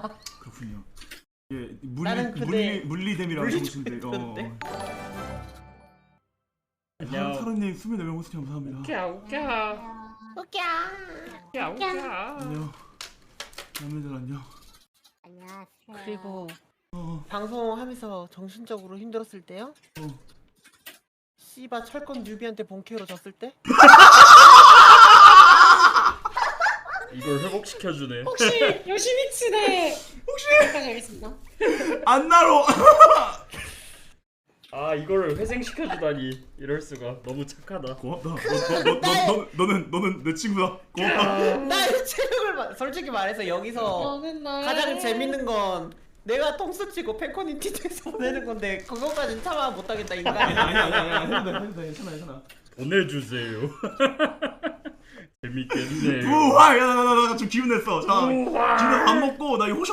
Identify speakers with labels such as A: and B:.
A: 그렇군요. 예,
B: 나는 근데
A: 물리댐이라고
B: 물리
A: 보시는데.
B: 좀
C: 안녕.
A: 사루님 24명 호스팅 감사합니다.
B: 웃겨.
A: 안녕. 남매들 안녕.
D: 안녕하세요.
B: 그리고
A: 어,
B: 방송하면서 정신적으로 힘들었을 때요?
A: 어.
B: 씨바 철권 뉴비한테 본캐로 졌을 때?
C: 이걸 회복시켜주네.
E: 혹시 요시미츠네 혹시 알겠습니다.
A: 안나로.
C: 아 이거를 회생시켜주다니. 이럴 수가. 너무 착하다.
A: 고맙다. 너는 내 친구다. 고맙다.
B: 나의 체력을 솔직히 말해서 여기서
E: 어느 날
B: 가장 재밌는 건 내가 통수 치고 팬커뮤니티에서 보내는 건데 그거까진 참아 못하겠다 인간.
A: 아니야. 괜찮아.
C: 보내주세요. 재밌겠네.
A: 우와, 야, 나 좀 기운 냈어. 자, 기운 내서 밥 먹고 나 이거